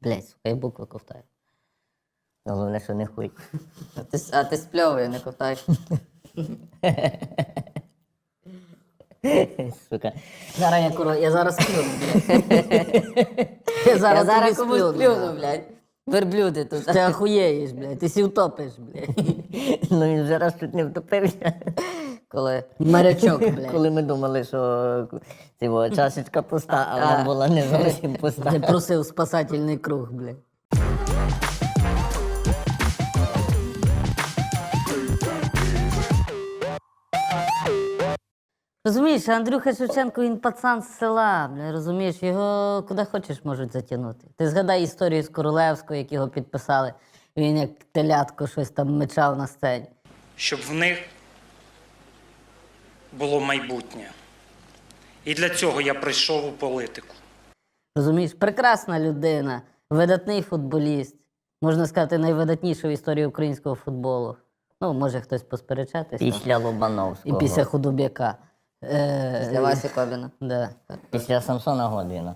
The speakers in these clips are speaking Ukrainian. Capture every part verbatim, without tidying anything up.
Блядь, сука, я букви ковтаю. Головне, що не хуй. А ти, с- а ти спльовує, не ковтаєш. Сука. Зараз я, куро, я зараз сплюну, блядь. Я зараз, Я зараз тобі комусь сплюну, сплюну, блядь. Верблюди тут. Ти охуєєш, блядь, ти сі втопиш, блядь. Ну він вже раз чуть не втопився. Коли Морячок, блядь. Коли ми думали, що цього, чашечка пуста, а вона була не зовсім Ти пуста. просив спасательний круг, блядь. Розумієш, Андрюха Шевченко, він пацан з села, бля, розумієш, його куди хочеш можуть затягнути. Ти згадай історію з Королевського, як його підписали, він як телятко щось там мечав на сцені. Щоб в них було майбутнє. І для цього я прийшов у політику. Розумієш, прекрасна людина, видатний футболіст, можна сказати, найвидатніший в історії українського футболу. Ну, може хтось посперечатись. там. Після І Лобановського. після Худобяка. Е, для Васі Кобіна. Да. Після Самсона Годвіна.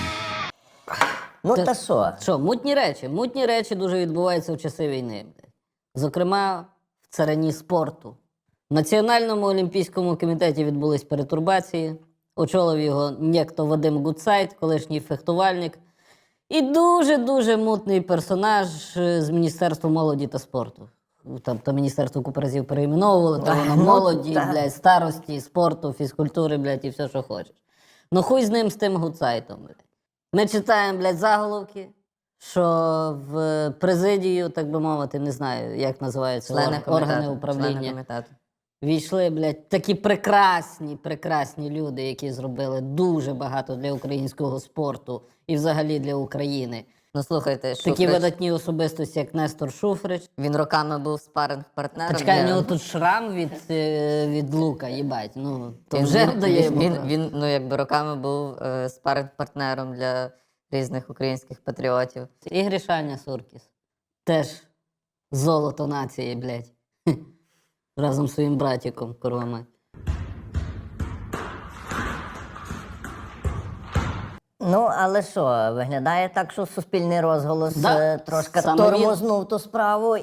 Ну Та- та що? Що, мутні речі? Мутні речі дуже відбуваються в часи війни. блядь. Зокрема, в царині спорту. В Національному олімпійському комітеті відбулись перетурбації. Очолив його нєкто Вадим Гудсайт, колишній фехтувальник. І дуже-дуже мутний персонаж е, з Міністерства молоді та спорту. Там то міністерство купу разів перейменовували, то воно ну, молоді, так. блядь, старості, спорту, фізкультури, блядь, і все, що хочеш. Ну хуй з ним, з тим Гудсайтом, блядь. Ми читаємо, блядь, заголовки, що в президію, так би мовити, не знаю, як називаються Члени орг- комітету. органи Члени управління. комітету. Війшли, блядь, такі прекрасні, прекрасні люди, які зробили дуже багато для українського спорту і взагалі для України. Ну слухайте, Такі Шуфрич, видатні особистості, як Нестор Шуфрич. він роками був спаринг-партнером. Та чекай, у для- нього тут шрам від, е, від лука, їбать. Ну, то Він, вже він, дає він, йому він, право. він, ну, якби роками був е, спаринг-партнером для різних українських патріотів. І Гришаня Суркіс. Теж золото нації, блядь. Разом з своїм братиком, курва мать. Ну, але що, виглядає так, що суспільний розголос Да, е, трошки саме він. тормознув ту справу,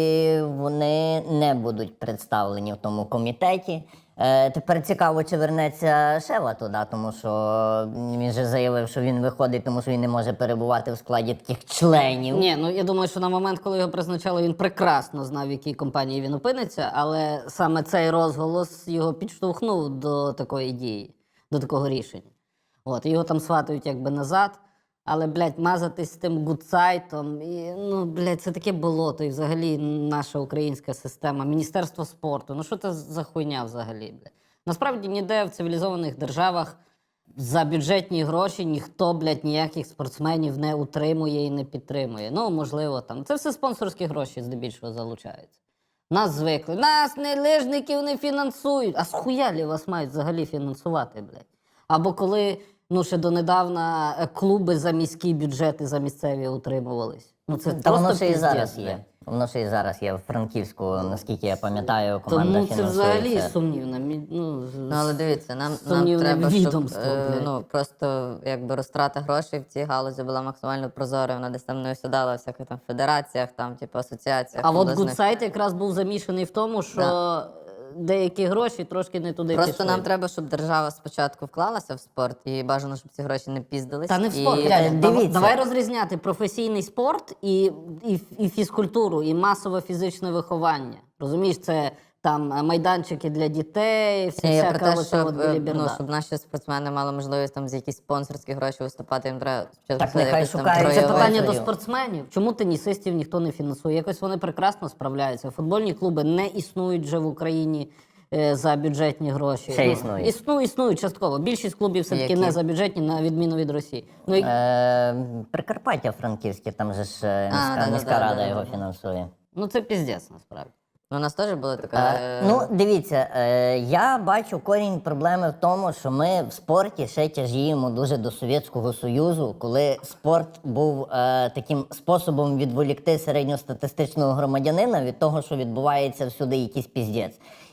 і вони не будуть представлені в тому комітеті. Е, тепер цікаво, чи вернеться Шева туди, тому що він же заявив, що він виходить, тому що він не може перебувати в складі таких членів. Ні, ну я думаю, що на момент, коли його призначали, він прекрасно знав, в якій компанії він опиниться, але саме цей розголос його підштовхнув до такої дії, до такого рішення. От, його там сватають якби назад, але, блядь, мазатись з тим гудсайтом, і, ну, блядь, це таке болото, і взагалі наша українська система, Міністерство спорту, ну що це за хуйня взагалі, блядь? Насправді ніде в цивілізованих державах за бюджетні гроші ніхто, блядь, ніяких спортсменів не утримує і не підтримує. Ну, можливо, там. Це все спонсорські гроші здебільшого залучаються. Нас звикли. Нас не лижників не фінансують. А схуялі вас мають взагалі фінансувати, блядь? Або коли, ну, ще донедавна е, клуби за міські бюджети, за місцеві утримувались. Ну, це Та воно просто ще і піздець, зараз блядь. є. Воно ще і зараз є в Франківську, наскільки я пам'ятаю, команда Тому це фінансує взагалі це. сумнівно. Мі- Ну, Ну, але дивіться, нам, нам сумнівне треба, щоб відомство, е, блядь. ну, просто якби розтрата грошей в цій галузі була максимально прозорою. Вона десь там не осідала в всяких там федераціях, там, типу, асоціаціях. А от обласних. Гудсайт якраз був замішаний в тому, що Да. деякі гроші трошки не туди Просто пішли. нам треба, щоб держава спочатку вклалася в спорт, і бажано, щоб ці гроші не піздились. Та не в І- спорт. е, Дядя, дав- дивіться. Давай розрізняти професійний спорт і, і, і фізкультуру, і масове фізичне виховання. Розумієш, це там е, майданчики для дітей, вся, Ні, я всяка про те, оця щоб, от е, біліберда. ну, щоб наші спортсмени мали можливість там за якісь спонсорські гроші виступати, їм треба спочатку Так це нехай якось там шукають. Це Проявити. питання до Проявити. спортсменів. Чому тенісистів ніхто не фінансує? Якось вони прекрасно справляються. Футбольні клуби не існують вже в Україні е, за бюджетні гроші. Ще Ну, існують. Існують, існують частково. Більшість клубів все-таки Які? не за бюджетні, на відміну від Росії. Ну, і, Е, Прикарпаття Франківське, там же ж е, міська, да-да-да, міська рада да-да-да. його фінансує. ну це піздець насправді. Ну, у нас теж була така. Е, е, ну, дивіться, е, я бачу корінь проблеми в тому, що ми в спорті ще тяжіємо дуже до Совєтського Союзу, коли спорт був е, таким способом відволікти середньостатистичного громадянина від того, що відбувається всюди якийсь піздець.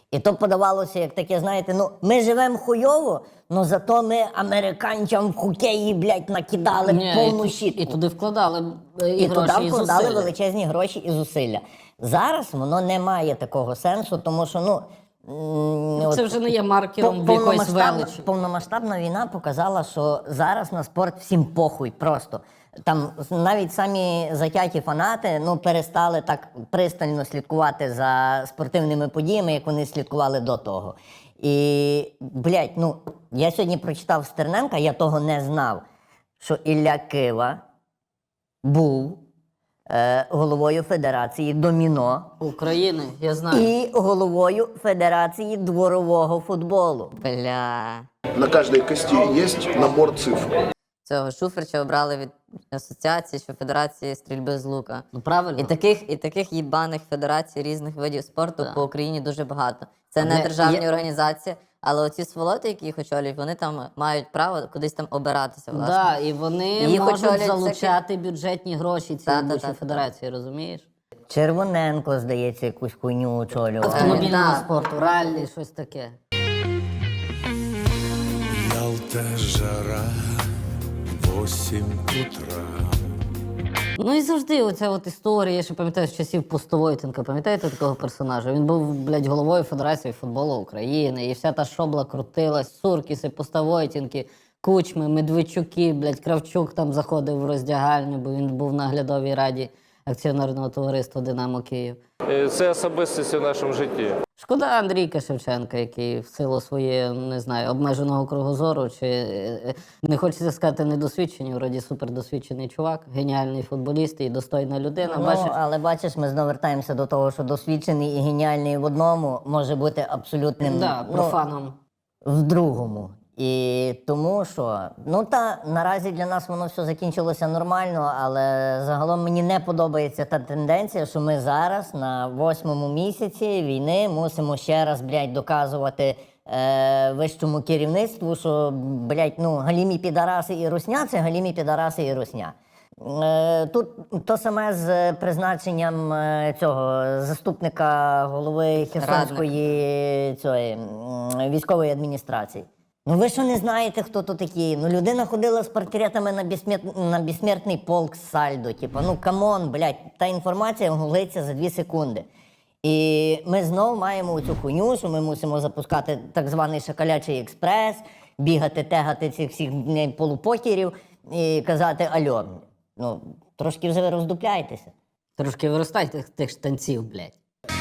І то подавалося як таке, знаєте, ну ми живемо хуйово, але зато ми американцям в хокеї, блядь, накидали Ні, повну і, щітку. і туди вкладали е, і, І гроші, туди і вкладали зусилля. величезні гроші і зусилля. Зараз воно не має такого сенсу, тому що, ну. м, Це от вже не є маркером пов- якоїсь повномасштабна- величі. Повномасштабна війна показала, що зараз на спорт всім похуй просто. Там навіть самі затяті фанати ну, перестали так пристально слідкувати за спортивними подіями, як вони слідкували до того. І, блядь, ну, я сьогодні прочитав Стерненка, я того не знав, що Ілля Кива був е, головою Федерації доміно України, я знаю. і головою Федерації дворового футболу. Бля. На каждой кости есть набор цифр. Цього Шуфрича обрали від асоціації, що Федерації стрільби з лука. Ну правильно. І таких, і таких їбаних федерацій різних видів спорту Да. по Україні дуже багато. Це Але не державні є- організації, але оці сволоти, які їх очолюють, вони там мають право кудись там обиратися, власне. Да, і вони Їх можуть очолюють залучати бюджетні гроші цієї Та-та-та-та. вищої федерації, розумієш? Червоненко, здається, якусь хуйню очолював. Автомобільного да. спорту, раллі, щось таке. Ялта, жара, восемь утра. Ну і завжди оця от історія, я ще пам'ятаю з часів Пустовойтенка, пам'ятаєте такого персонажа? Він був, блядь, головою Федерації футболу України, і вся та шобла крутилась, Суркіси, Пустовойтенки, Кучми, Медведчуки, блядь, Кравчук там заходив в роздягальню, бо він був в наглядовій раді акціонерного товариства «Динамо Київ». Е, Це особистості в нашому житті. Шкода Андрійка Шевченка, який в силу своєї, не знаю, обмеженого кругозору, чи е, е, не хочеться сказати недосвідчений, вроді супердосвідчений чувак, геніальний футболіст і достойна людина. Ну, Бачиш, але бачиш, ми знову вертаємося до того, що досвідчений і геніальний в одному може бути абсолютним да, ну, профаном. в другому. І тому що, ну та наразі для нас воно все закінчилося нормально, але загалом мені не подобається та тенденція, що ми зараз на восьмому місяці війни мусимо ще раз, блядь, доказувати е, вищому керівництву, що, блядь, ну, галімі підараси і русня – це галімі підараси і русня. Е, Тут то саме з призначенням е, цього заступника голови Херсонської цієї, м, військової адміністрації. Ну ви що не знаєте, хто то такі? Ну людина ходила з портретами на, безсмер... на безсмертний полк з Сальдо. Типу, ну камон, блядь, та інформація гуглиться за дві секунди. І ми знову маємо цю хуйню, що ми мусимо запускати так званий шакалячий експрес, бігати, тегати цих всіх блядь, полупокерів і казати альо. Ну, трошки вже ви роздупляйтеся. Трошки виростайте тих, тих штанців, блядь.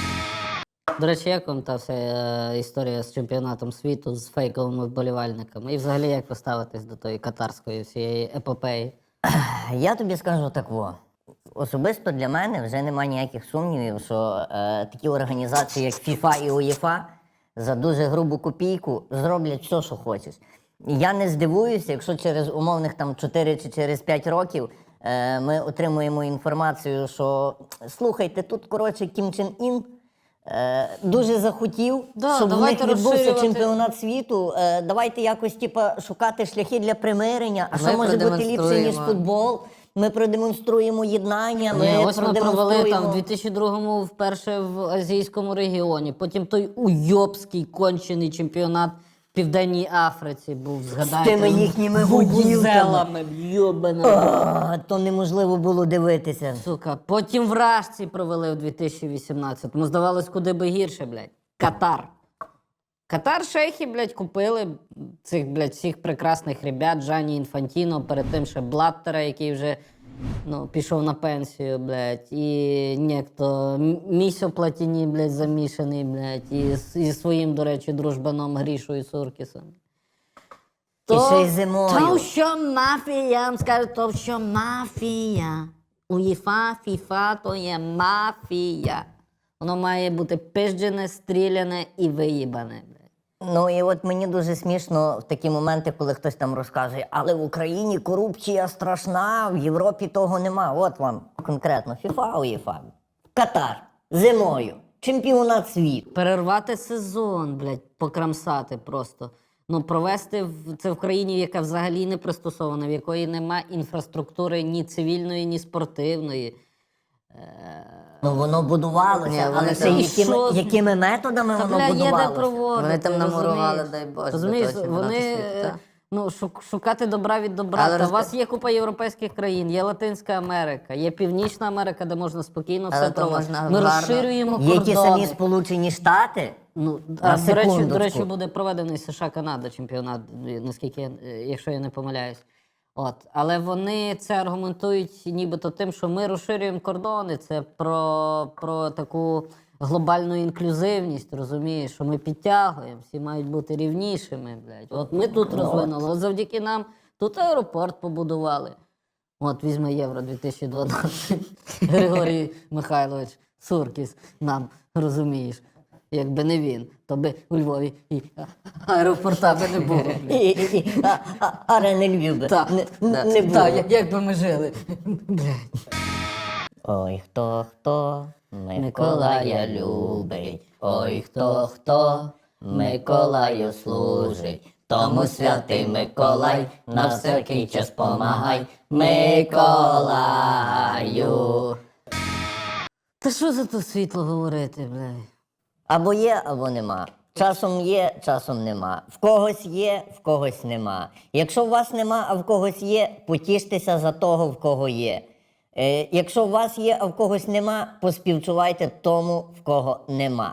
До речі, як вам та вся е, історія з чемпіонатом світу, з фейковими вболівальниками? І взагалі, як ви ставитесь до тої катарської всієї епопеї? Я тобі скажу так во. Особисто для мене вже немає ніяких сумнівів, що е, такі організації, як ФІФА і УЄФА, за дуже грубу копійку зроблять все, що хочеш. І я не здивуюся, якщо через умовних там чотири чи через п'ять років е, ми отримуємо інформацію, що слухайте, тут, коротше, Кім Чен Ін е, дуже захотів, Да, щоб в них давайте відбувся розширювати. чемпіонат світу. Е, давайте якось типа, шукати шляхи для примирення. А Ми що може бути ліпше, ніж продемонструємо. футбол? Ми продемонструємо єднання, ми Ні, ось ми провели продемонструємо... там в дві тисячі другому вперше в азійському регіоні. Потім той уйобський кончений чемпіонат в Південній Африці був, згадайте. тими їхніми вузелами, йобаними. А, то неможливо було дивитися. Сука, потім в Рашці провели в дві тисячі вісімнадцятому. Здавалось, куди би гірше, блядь. Катар. Катар шейхи, блядь, купили цих, блядь, всіх прекрасних ребят, Джані Інфантіно, перед тим ще Блаттера, який вже ну, пішов на пенсію, блядь, і некто М- Місьо Платіні, блядь, замішаний, блядь, і з- зі своїм, до речі, дружбаном Грішою Суркісом. І ще й зимою. То, що мафія, я вам скажу, то, що мафія. УЄФА, ФІФА, то є мафія. Воно має бути пизджене, стріляне і виїбане. блядь. Ну і от мені дуже смішно в такі моменти, коли хтось там розказує, але в Україні корупція страшна, в Європі того нема. От вам конкретно ФІФА, УЄФА, Катар, зимою, чемпіонат світу. Перервати сезон, блядь, покрамсати просто. Ну, провести в- це в країні, яка взагалі не пристосована, в якої нема інфраструктури ні цивільної, ні спортивної. Ну воно будувалося, Ні, але вони це там- якими, Що? якими методами Та, воно бля, є де будувалося? проводити. Вони там намурували, розумієш? дай Боже, Розумієш, для того, чемпіонату вони світу, е, та. ну, шук- шукати добра від добра. Але Та роз- у вас є купа європейських країн, є Латинська Америка, є Північна Америка, де можна спокійно Але все то проводити. можна Ми гарно. розширюємо Є кордони. ті самі Сполучені Штати. Ну, На а, до речі, до секундочку. речі, буде проведений США-Канада чемпіонат, наскільки я- е, якщо я не помиляюсь. От. Але вони це аргументують нібито тим, що ми розширюємо кордони. Це про, про таку глобальну інклюзивність, розумієш, що ми підтягуємо, всі мають бути рівнішими. Блядь. От ми тут розвинули, от завдяки нам тут аеропорт побудували. От візьме Євро дві тисячі дванадцять. Григорій Михайлович Суркіс нам, розумієш. Якби не він, то би у Львові і аеропорта би не було. І, і, і, а, а, арени Львів би Так, не, так, не було. так, як, як би ми жили. Блядь. Ой, хто хто Миколая любить, ой, хто хто Миколаю служить, тому святий Миколай на всякий час помагай, Миколаю. Та що за то світло говорити, блядь? Або є, або нема. Часом є, часом нема. В когось є, в когось нема. Якщо у вас нема, а в когось є, потіштеся за того, в кого є. Е, якщо у вас є, а в когось нема, поспівчувайте тому, в кого нема.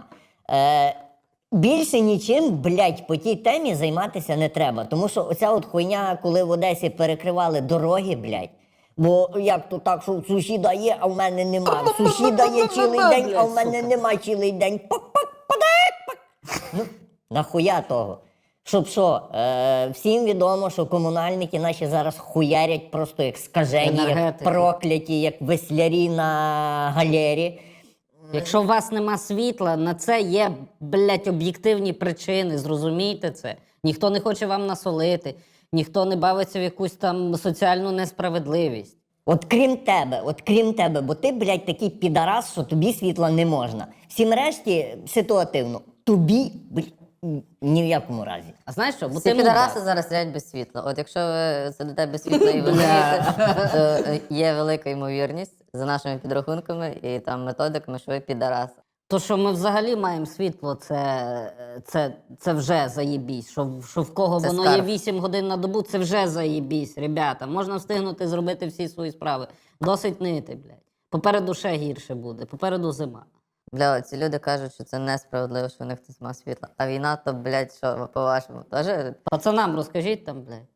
Е, більше нічим, блядь, по тій темі займатися не треба. Тому що оця от хуйня, коли в Одесі перекривали дороги, блядь, бо як то так, що в сусіда є, а в мене нема. В сусіда є цілий день, а в мене нема цілий день. Пак-пак, падек, пак. Ну, нахуя того? Щоб що, е, всім відомо, що комунальники наші зараз хуярять просто як скажені, як Енергетики. прокляті, як веслярі на галері. Якщо у вас нема світла, на це є, блядь, об'єктивні причини, зрозумійте це. Ніхто не хоче вам насолити, ніхто не бавиться в якусь там соціальну несправедливість. От крім тебе, от крім тебе, бо ти, блядь, такий підарас, що тобі світла не можна. Всім решті ситуативно. Тобі, блядь, ні в якому разі. А знаєш що? Бо Всі ти підараси мудак. зараз сидять без світла. От якщо ви сидите без світла і ви знаєте, то е, є велика ймовірність за нашими підрахунками і там методиками, що ви підарас. То, що ми взагалі маємо світло, це, це, це вже заєбісь. Що, в- що в кого Це воно скарб. є вісім годин на добу, це вже заєбісь, ребята. Можна встигнути зробити всі свої справи. Досить нити, блядь. Попереду ще гірше буде, попереду зима. Бля, ці люди кажуть, що це несправедливо, що в них хтось має світло. А війна, то, блядь, що, по-вашому, теж? Пацанам розкажіть там, блядь.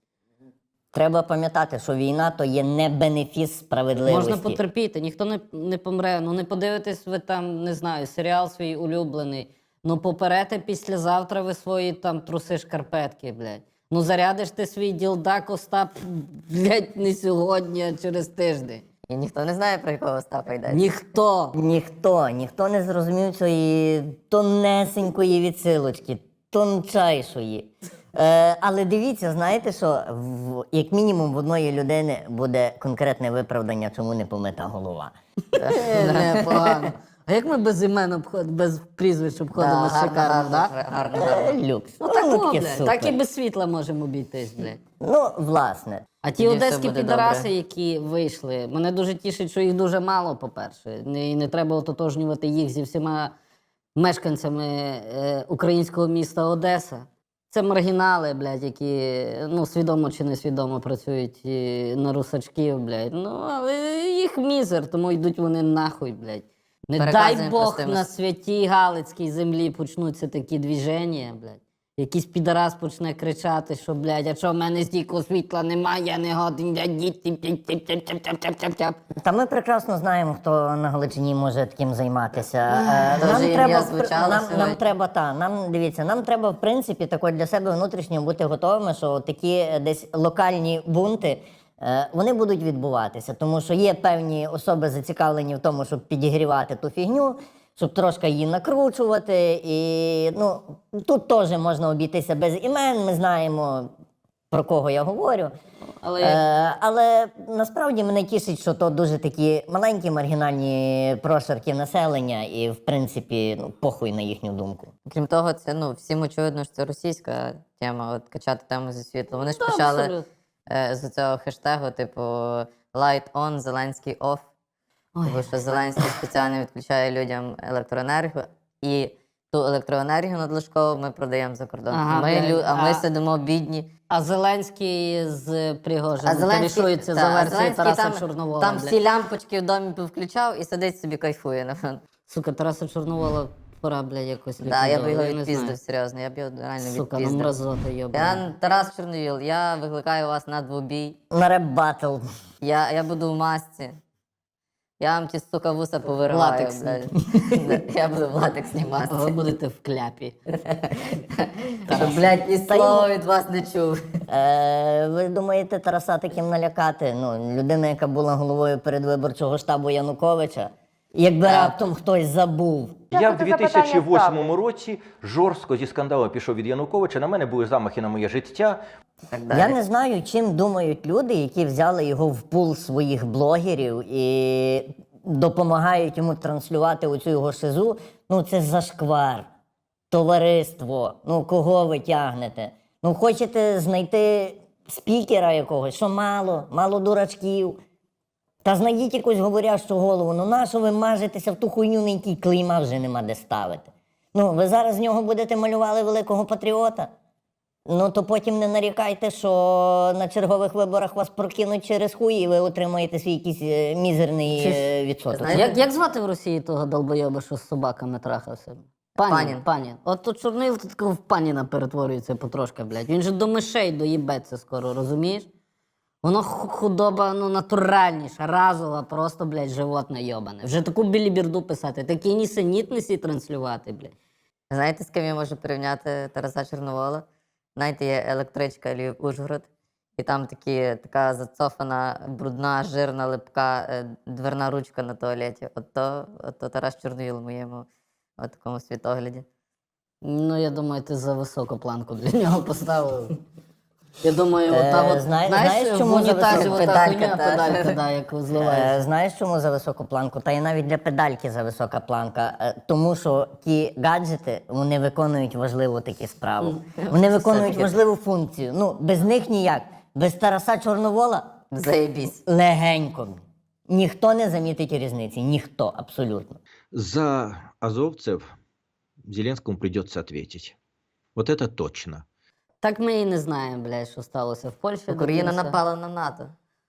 Треба пам'ятати, що війна то є не бенефіс справедливості. Можна потерпіти, ніхто не, не помре. Ну не подивитесь ви там, не знаю, серіал свій улюблений. Ну поперете післязавтра ви свої там труси шкарпетки, блядь. Ну зарядиш ти свій ділдак, Остап, блядь, не сьогодні, а через тиждень. І ніхто не знає, про якого Остапа йде. Ніхто. Ніхто, ніхто не зрозумів цієї тонесенької відсилочки, тончайшої. Е, але дивіться, знаєте що, в, як мінімум в одної людини буде конкретне виправдання, чому не помита голова. Е, Непогано. А як ми без імен обход... без прізвищ Да, обходимо гарно, шикарно, гарно, так? гарно, Е, гарно. люкс. Ну так, Ну, о, таке блядь, супер. так і без світла можемо обійтись, блядь. Ну, власне. А ті Тоді все одеські буде підараси, добре. які вийшли, мене дуже тішить, що їх дуже мало, по-перше. Не- І не треба ототожнювати їх зі всіма мешканцями е, українського міста Одеса. Це маргінали, блядь, які ну, свідомо чи несвідомо працюють е, на русачків, блядь. Ну, але їх мізер, тому йдуть вони нахуй, блядь. Не дай Переказуємо Бог простими на с- святій Галицькій землі почнуться такі двіження, блядь. Якийсь підарас почне кричати, що, блядь, а що в мене стільки світла немає, я не годен, блядь, діти, тяп-тяп-тяп-тяп-тяп-тяп. Та ми прекрасно знаємо, хто на Галичині може таким займатися. Е, Дуже Нам ім'я треба, звучало нам, сьогодні. нам треба, та, нам, дивіться, нам треба, в принципі, тако для себе внутрішньо бути готовими, що такі е, десь локальні бунти, е, вони будуть відбуватися, тому що є певні особи зацікавлені в тому, щоб підігрівати ту фігню, щоб трошки її накручувати. І ну, тут теж можна обійтися без імен, ми знаємо, про кого я говорю. Але Е, але насправді мене тішить, що то дуже такі маленькі маргінальні прошарки населення, і в принципі ну, похуй на їхню думку. Крім того, це ну всім очевидно, що це російська тема, от качати тему зі світла. Вони ж Та, почали абсолютно. е, з цього хештегу, типу Light on, Зеленський off. Тому що Зеленський спеціально відключає людям електроенергію, і ту електроенергію надлишкову ми продаємо за кордон. Ага, ми, блядь, лю- а ми а- сидимо бідні. А Зеленський з Пригожином А Зеленський, корішується та, за а версією Зеленський Тараса там, Чорновола. там блядь. всі лямпочки в домі повключав і сидить собі кайфує. напевно. Сука, Тараса Чорновола пора, блядь, якось Да, я б ліквідовувати, його не знаю. відпіздив, серйозно, я б його реально Сука, ну відпіздив. мразота, йобана. Я Тарас Чорновіл, я викликаю вас на двобій. На реп-баттл. Я, я буду в масці. Я вам ті, сука, вуса повириваю, Латексні. блядь. Я буду в латексній А ви масці. будете в кляпі. Щоб, блядь, ні слова від вас не чув. Е, ви думаєте, Тараса таким налякати? Ну, людина, яка була головою передвиборчого штабу Януковича, якби раптом хтось забув. Я в дві тисячі восьмому році жорстко зі скандалу пішов від Януковича. На мене були замахи на моє життя. Так далі. Я не знаю, чим думають люди, які взяли його в пул своїх блогерів і допомагають йому транслювати оцю його шизу. Ну, це зашквар. Товариство. Ну, кого ви тягнете? Ну, хочете знайти спікера якогось, що мало, мало дурачків. Та знайдіть якусь говорящу голову. Ну, нащо ви мажетеся в ту хуйню, на якій клейма вже нема де ставити? Ну, ви зараз з нього будете малювали великого патріота? Ну, то потім не нарікайте, що на чергових виборах вас прокинуть через хуй, і ви отримаєте свій якийсь е, мізерний Чи ж- е, відсоток. Знаєте- Як, як звати в Росії того долбойоба, що з собаками трахався? Панін. Панін. Панін. От тут Чорнил тут такого в паніна перетворюється потрошки, блядь. Він же до мишей доїбеться скоро, розумієш? Воно ху- худоба, ну, натуральніша, разова, просто, блядь, животне йобане. Вже таку біліберду писати, такі нісенітниці транслювати, блядь. Знаєте, з ким я можу порівняти Тараса Чорновола? Знаєте, є електричка Львів-Ужгород, і там такі, така зацофана, брудна, жирна, липка е, дверна ручка на туалеті. От то, от то Тарас Чорновіл в моєму от такому світогляді. Ну, я думаю, ти за високу планку для нього поставив. Я думаю, Е, ота от, знає- знаєш, знаєш, в чому за унітазі високу? ота Педалька, хуйня, та. педалька, да, яку зливаєш. Е, знаєш, чому за високу планку? Та й навіть для педальки за висока планка. Е, тому що ті гаджети, вони виконують важливу таку справу. Вони виконують важливу функцію. Ну, без них ніяк. Без Тараса Чорновола Заєбісь. легенько. Ніхто не замітить різниці. Ніхто, абсолютно. За азовцев Зеленскому придется ответить. Вот это точно. Так ми і не знаємо, блядь, що сталося в Польщі. Україна до кінця. напала на НАТО.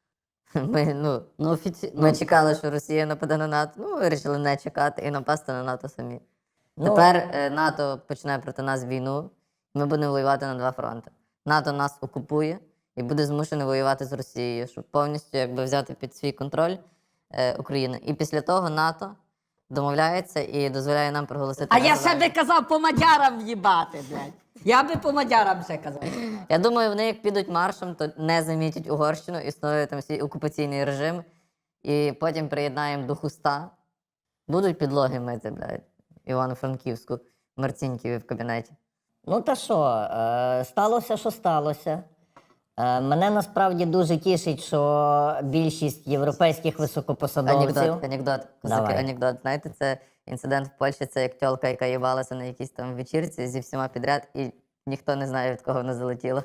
Ми, ну, Ну, офіці... ми ну, чекали, що Росія нападе на НАТО. Ну, вирішили не чекати і напасти на НАТО самі. Ну, Тепер е, НАТО почне проти нас війну, ми будемо воювати на два фронти. НАТО нас окупує і буде змушений воювати з Росією, щоб повністю якби, взяти під свій контроль е, Україну. І після того НАТО домовляється і дозволяє нам проголосити. А я ще незалежність. би казав по мадярам в'їбати, блядь. Я би по мадярам ще казав. Я думаю, вони як підуть маршем, то не замітять Угорщину, існує там свій окупаційний режим, і потім приєднаємо до хуста. Будуть підлоги мити, блядь, Івано-Франківську, Марціньківі в кабінеті. Ну та що, е, сталося, що сталося. Е, мене насправді дуже тішить, що більшість європейських високопосадовців. Анекдот, анекдот, козаки, Давай. анекдот. Знаєте, це інцидент в Польщі, це як тьолка, яка їбалася на якійсь там вечірці зі всіма підряд, і ніхто не знає, від кого вона залетіла.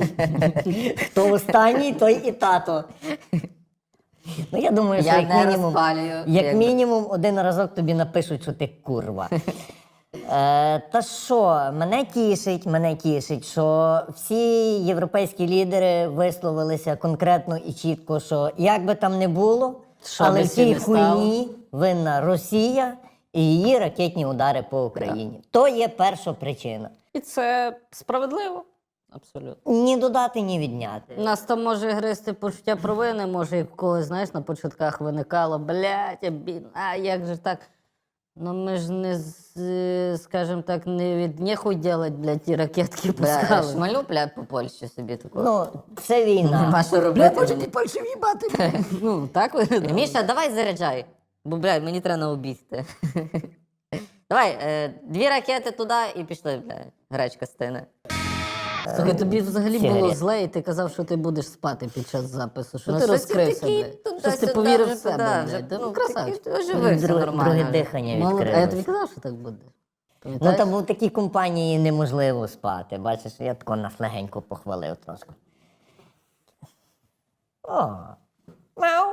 Хто останній, той і тато. Ну, я думаю, що Я як не мінімум, розпалюю. як якби. мінімум один разок тобі напишуть, що ти курва. Е, та що, мене тішить, мене тішить, що всі європейські лідери висловилися конкретно і чітко, що як би там не було, Що але би в всі цій не стало. хуйні винна Росія і її ракетні удари по Україні. То є перша причина. І це справедливо. Абсолютно. Ні додати, ні відняти. Нас там може гристи почуття провини, може, як в когось, знаєш, на початках виникало, блядь, я бід... а як же так? Ну ми ж не, з- скажімо так, не від нехуй делать, блядь, ті ракетки Бля, пускали. шмалю, бля, по Польщі собі таку. Ну, це війна. Нема що робити. мені. Польщі в'їбати. Ну, так ви? Міша, давай заряджай. Бо, блядь, мені треба на обійти. Давай, е, дві ракети туди і пішли, блядь. Гречка стине. Слухай, тобі взагалі Сигарет. було зле, і ти казав, що ти будеш спати під час запису. Що Ну, ти щось розкрився, такий блядь? туди-сюди, Щось ти повірив в вже себе, туди, вже, блядь. Ти, ну, Ну, красавчик. такий оживився Друге, нормально. друге вже. дихання Молодець. А я тобі відкрилось. казав, що так буде. Ну, Пам'ятаєш? там в такій компанії неможливо спати. Бачиш, я тако нас легенько похвалив трошки. О, мяу.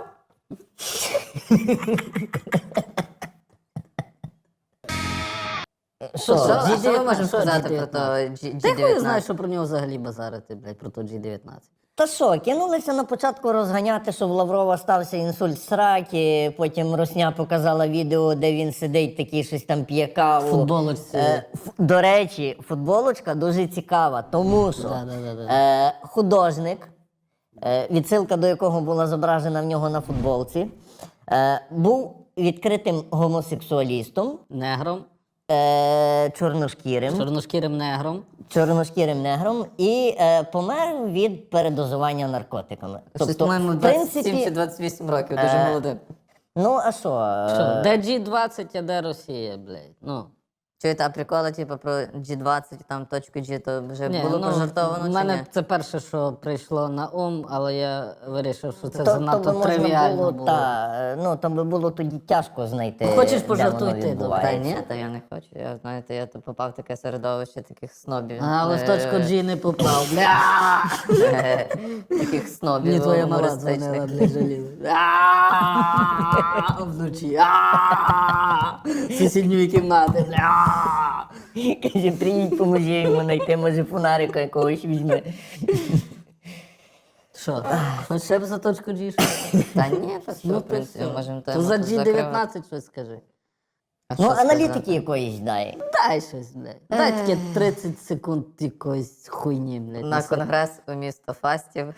Що? Що, а Джі що ми можемо що сказати Джі про то дев'ятнадцять? Джі Ти хуй дев'ятнадцять? знаєш, що про нього взагалі базарити, блядь, про то Джі дев'ятнадцять. Та що, кинулися на початку розганяти, що в Лаврова стався інсульт сраки, потім Русня показала відео, де він сидить такий, щось там п'є каву. В футболочці. Е, ф- до речі, футболочка дуже цікава, тому що Да-да-да-да. е, художник, е, відсилка до якого була зображена в нього на футболці, е, був відкритим гомосексуалістом, Негром, е, чорношкірим. чорношкірим негром. чорношкірим негром і е, помер від передозування наркотиками. Щось, по-моєму, в двадцять сім принципі, чи двадцять вісім років, дуже е, молодим. ну а що? е, Що, де Джі двадцять, а де Росія, блядь? Ну. Чуєте, а приколи, типу, про Джі двадцять, там точку G, то вже Ні, було ну, пожартовано в чи мене ні? це перше, що прийшло на ум, але я вирішив, що це то, то занадто би можна тривіально було, було. Та, е, ну, то би було тоді тяжко знайти. Хочеш де пожартуй воно ти, добре? Та відбувається. ні, та я не хочу. Я, знаєте, я то попав в таке середовище таких снобів. Але в е, точку G не попав. Бля! е, Таких снобів Мені твоя мала гумористичних. дзвонила, бля, жаліла. А, вночі. А, з сусідньої кімнати, бля. Каже, приїдь, поможи йому знайти, може фонарика якогось візьме. Що, хоч ще б за точку G щось? Та ні, то що, Ну, в принципі, то можемо То тему за тут Джі закривати. дев'ятнадцять щось скажи. А Ну, що сказати? аналітики якоїсь дай. Дай щось, блядь. Дай таке тридцять секунд якоїсь хуйні, блядь. На Неси. конгрес у місто Фастів.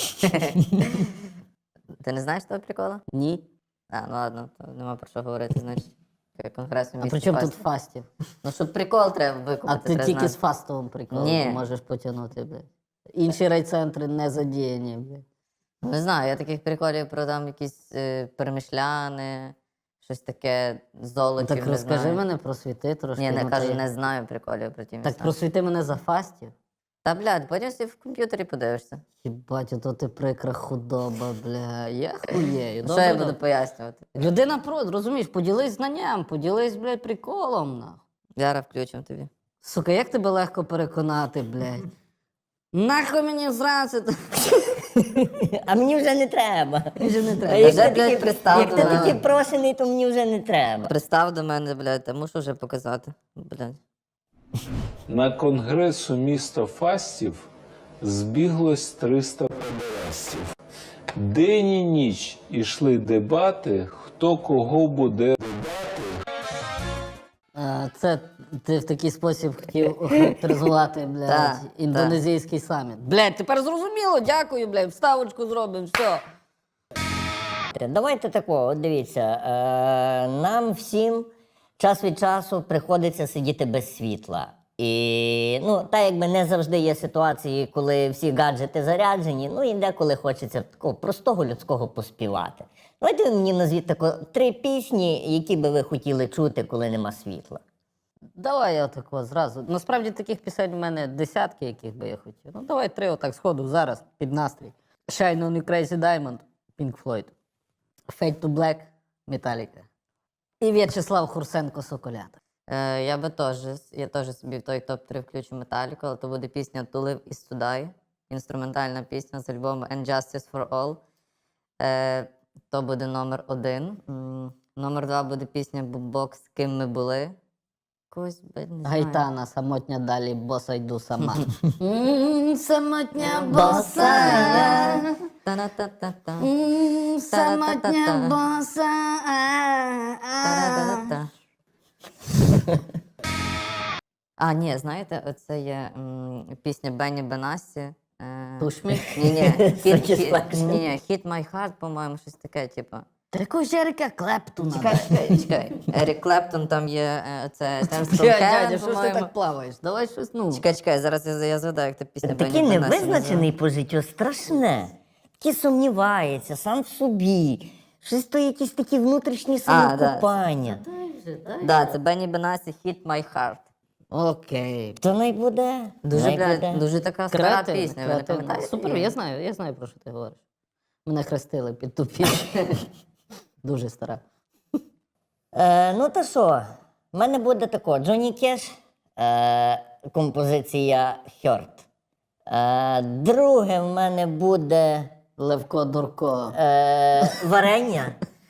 Ти не знаєш того прикола? Ні. А, ну ладно, то нема про що говорити, значить. Конгрес у А місті при чому тут Фастів. фастів? Ну, щоб прикол треба А викупити. ти треба тільки знати. з фастовим приколом Ні. можеш потягнути, блядь. Інші райцентри не задіяні, блядь. Не знаю, я таких приколів про там якісь е, перемишляни, щось таке золотів, Так не розкажи знаю. мене, просвіти трошки. Ні, не ну, кажу, та й- не знаю приколів про ті Так міста. просвіти мене за фастів. Та, блядь, потім всі в комп'ютері подивишся. Хібать, ото ти прикра худоба, бля. Я хуєю. Що Добре, я добре. буду пояснювати? Людина прод, розумієш, поділись знанням, поділись, блядь, приколом, нахуй. Зараз включимо тобі. Сука, як тебе легко переконати, блядь? Нахуй мені зранці. А мені вже не треба. Вже не А треба. як Вже, ти блядь, такий- пристав Як до ти мене. такий прошений, то мені вже не треба. Пристав до мене, блядь, та мушу вже показати. Блядь. На конгресу міста Фастів збіглось триста педерастів. День і ніч ішли дебати, хто кого буде. Е, Це ти в такий спосіб хотів охарактеризувати, блядь, Так, індонезійський саміт. Блядь, тепер зрозуміло, дякую, блядь, вставочку зробимо, все. Давайте такого, от дивіться, е, нам всім час від часу приходиться сидіти без світла. І ну, так якби не завжди є ситуації, коли всі гаджети заряджені, ну і деколи хочеться такого простого людського поспівати. Давайте ви мені назвіть тако три пісні, які би ви хотіли чути, коли нема світла. Давай я отако зразу. Насправді таких пісень в мене десятки, яких би я хотів. Ну давай три отак сходу зараз під настрій. Shine on you Crazy Diamond, Pink Floyd. Fade to Black, Metallica. І В'ячеслав Хурсенко Соколята. Е, я би теж, я теж собі в той топ три включу Металіку, але то буде пісня «To Live Is To Die», інструментальна пісня з альбому «And Justice For All». Е, то буде номер один. М, Номер два буде пісня «Букбокс. Ким ми були». Когось, блядь, не знаю. Гайтана, самотня далі, боса йду сама. М, Самотня боса. Та-на-та-та-та. М, Самотня Та-та-та-та. боса. Та-да-да-да. А, ні, знаєте, оце є м, пісня Бенні Бенасі. Е, Push me. Ні, ні, hit, hit, Satisfaction. ні, ні, Hit My Heart, по-моєму, щось таке, типу. Та якого Жерика Клептона? Чекай, чекай, чекай. Ерік Клептон там є, е, це Terms from Дядя, Heaven, дядя, що ж ти по-моєму. так плаваєш? Давай щось, ну. Чекай, чекай, зараз я, я згадаю, як та пісня Такий Бенні Бенасі невизначений по життю, страшне. Такий сумнівається, сам в собі. Щось то якісь такі внутрішні А, да. самокопання. називається. Да, це Бенні Бенасі Hit My Heart. Окей. То най буде. Дуже, най блядь, буде. дуже така стара Креативно, пісня, ви не креативно. пам'ятаєте? Супер, її? я знаю, я знаю, про що ти говориш. Мене хрестили під ту пісню. Дуже стара. Е, ну та що, в мене буде тако, Джонні Кеш, е, композиція Hurt. Е, друге в мене буде Левко Дурко. Е, варення.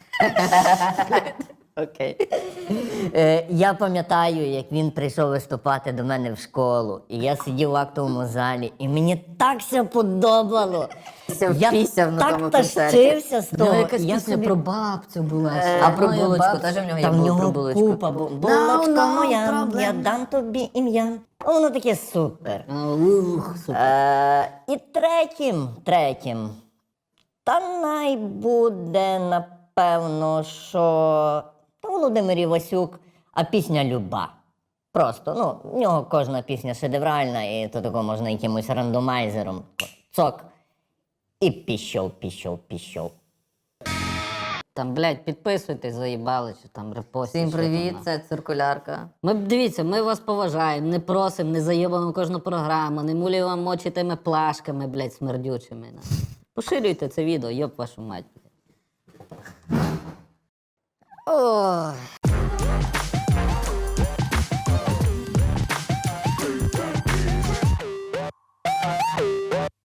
Окей. Е, я пам'ятаю, як він прийшов виступати до мене в школу, і я сидів в актовому залі, і мені так все подобало. Все Я впісяв на тому так концерті. тащився з У нього того. якась Я пісня собі- про бабцю була. Е, А про Моя булочку бабця. теж в нього є Там в бу- про нього булочку. купа, бу- булочка No, no моя, problem. я дам тобі ім'я. Воно таке супер. А, ух, супер. Е, і третім, третім, та най буде, напевно, що та Володимир Івасюк, а пісня люба. Просто, ну, в нього кожна пісня шедевральна, і то такого можна якимось рандомайзером. Цок. І пішов, пішов, пішов. Там, блядь, підписуйтесь, заїбали, чи там репостіть. Всім що привіт, там, це циркулярка. Ми, дивіться, ми вас поважаємо, не просимо, не заєбаємо кожну програму, не мулюємо вам очі тими плашками, блядь, смердючими. на. Поширюйте це відео, йоп вашу мать. Ой.